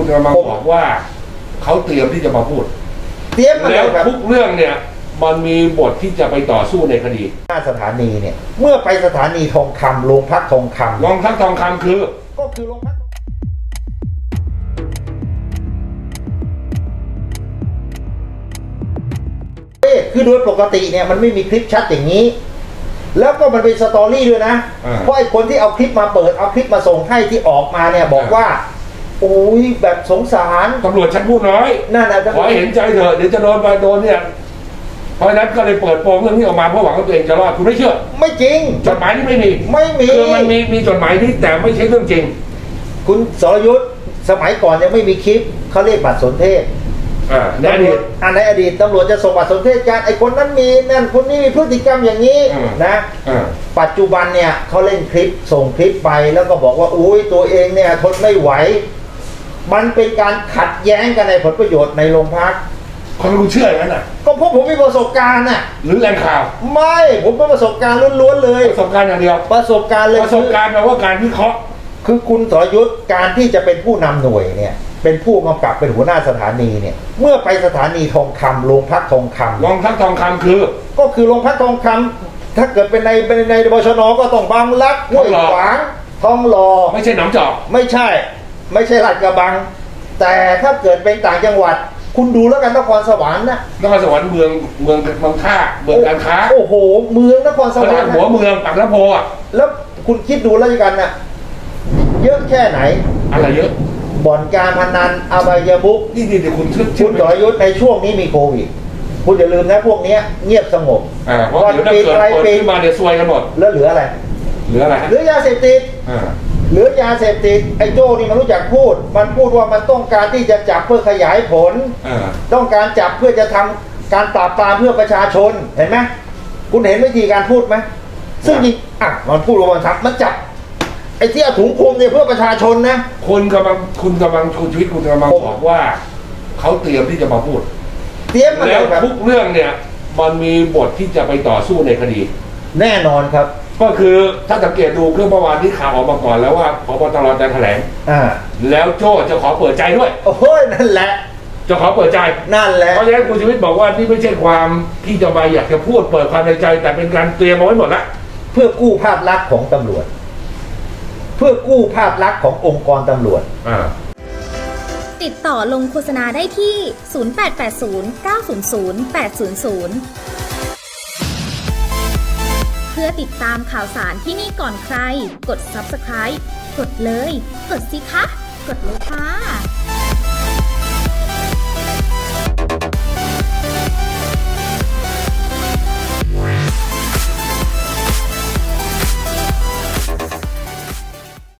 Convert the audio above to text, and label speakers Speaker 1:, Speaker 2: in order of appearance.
Speaker 1: กำลังบอกว่าเขาเตรียมที่จะมาพูด
Speaker 2: เตรียมมา
Speaker 1: แล้ว
Speaker 2: ครับ
Speaker 1: ทุกเรื่องเนี่ยมันมีบทที่จะไปต่อสู้ในคดี
Speaker 2: หน้าสถานีเนี่ยเมื่อไปสถานีทองคำโรงพักทองคำ
Speaker 1: โรงพักทองคำคือ
Speaker 2: ก็คือโรงพักคือโดยปกติเนี่ยมันไม่มีคลิปชัดอย่างนี้แล้วก็มันเป็นสตอรี่ด้วยนะเพราะไอ้คนที่เอาคลิปมาเปิดเอาคลิปมาส่งให้ที่ออกมาเนี่ยบอกว่าโอ้ยแบบสงสาร
Speaker 1: ตำรวจชั้นผู้น้อย
Speaker 2: นั่นนะ
Speaker 1: ขอให้เห็นใจเถอะเดี๋ยวจะโดนไปโดนเนี่ยเพราะฉะนั้นก็เลยเปิดโปงเรื่องนี้ออกมาเพราะหวังว่าตัวเองจะรอดคุณไม่เชื่อ
Speaker 2: ไม่จริง
Speaker 1: จดหมายนี่ไม่มีคือมันมีจดหมายที่แต่ไม่ใช่เรื่องจริง
Speaker 2: คุณสรยุทธสมัยก่อนยังไม่มีคลิปเขาเรียกบัตรสนเทศ
Speaker 1: ในอดีต
Speaker 2: ในอดีตตำรวจจะส่งบัตรสนเทศกันไอ้คนนั้นมีนั่นคนนี้มีพฤติกรรมอย่างนี้นะปัจจุบันเนี่ยเขาเล่นคลิปส่งคลิปไปแล้วก็บอกว่าอุ้ยตัวเองเนี่ยทนไม่ไหวมันเป็นการขัดแย้งกันในผลประโยชน์ในโรงพัก
Speaker 1: คนรู้เชื่ออย่างนั้นน่ะ
Speaker 2: ก็เพราะผมมีประสบการณ์น่ะ
Speaker 1: หรือแหล่งข่าว
Speaker 2: ไม่ผมเป็นประสบการณ์ล้วนๆเลย
Speaker 1: ประสบการณ์อย่างเดียว
Speaker 2: ประสบการณ์เลย
Speaker 1: ประสบการณ์แปลว่าการวิเคราะห์
Speaker 2: คือคุณสรยุทธการที่จะเป็นผู้นำหน่วยเนี่ยเป็นผู้กำกับเป็นหัวหน้าสถานีเนี่ยเมื่อไปสถานีทองคำโรงพักทองคำ
Speaker 1: โรงพักทองคำคือ
Speaker 2: ก็คือโรงพักทองคำถ้าเกิดเป็นในบชนก็ต้องบางรักห้วยขวางทองหล่อ
Speaker 1: ไม่ใช่หนองจอก
Speaker 2: ไม่ใช่ลาดกระบังแต่ถ้าเกิดเป็นต่างจังหวัดคุณดูแล้วกันนครสวรรค์นะ
Speaker 1: นครสวรรค์เมืองท่าเมืองการค้า
Speaker 2: โอ้โหเมืองนครสวรรค์
Speaker 1: หัวเมืองปากน้ำโพอ่ะ
Speaker 2: แล้วคุณคิดดูแล้วกันน่ะเยอะแค่ไหน
Speaker 1: อะไรเยอะ
Speaker 2: บ่อนการพนันอบายมุข
Speaker 1: นี่คุณ
Speaker 2: สรยุทธในช่วงนี้มีโควิดคุณอย่าลืมนะพวกนี้เงียบสงบ
Speaker 1: เพราะเดี๋ยวถ้าเกิดเปิดขึ้นมาเดี๋ยวซวยกันหมด
Speaker 2: แล้วเหลืออะไร
Speaker 1: เหลื
Speaker 2: อยาเสพติดเหลือยาเสพติดไอ้โจ้นี่มันรู้จักพูดมันพูดว่ามันต้องการที่จะจับเพื่อขยายผลต้องการจับเพื่อจะทำการปราบปรามเพื่อประชาชนเห็นไหมคุณเห็นวิธีการพูดไหมซึ่งจริงมันพูดว่ามันจับไอ้ที่เอาถุงคลุมเนี่ยเพื่อประชาชนนะ
Speaker 1: คุณชีวิตคุณกำลังบอกว่าเขาเตรียมที่จะมาพูด
Speaker 2: เตรียมมา
Speaker 1: แล้วทุกเรื่องเนี่ยมันมีบทที่จะไปต่อสู้ในคดี
Speaker 2: แน่นอนครับ
Speaker 1: ก็คือถ้าสังเกตดูเมื่อวานที่ข่าวออกมาก่อนแล้วว่าผบ.ตร.จะแถลงแล้วโจ้จะขอเปิดใจด้วย
Speaker 2: โอ้โหนั่นแหละ
Speaker 1: จะขอเปิดใจ
Speaker 2: นั่นแหละ
Speaker 1: เพราะฉะนั้นคุณชีวิตบอกว่านี่ไม่ใช่ความที่จะมาอยากจะพูดเปิดความในใจแต่เป็นการเตรียมเอาไว้หมดละ
Speaker 2: เพื่อกู้ภาพลักษณ์ของตำรวจเพื่อกู้ภาพลักษณ์ขององค์กรตำรวจ
Speaker 3: ติดต่อลงโฆษณาได้ที่ 0880 900 800 เพื่อติดตามข่าวสารที่นี่ก่อนใครกด Subscribe กดเลยกดสิคะกดเลยค่ะ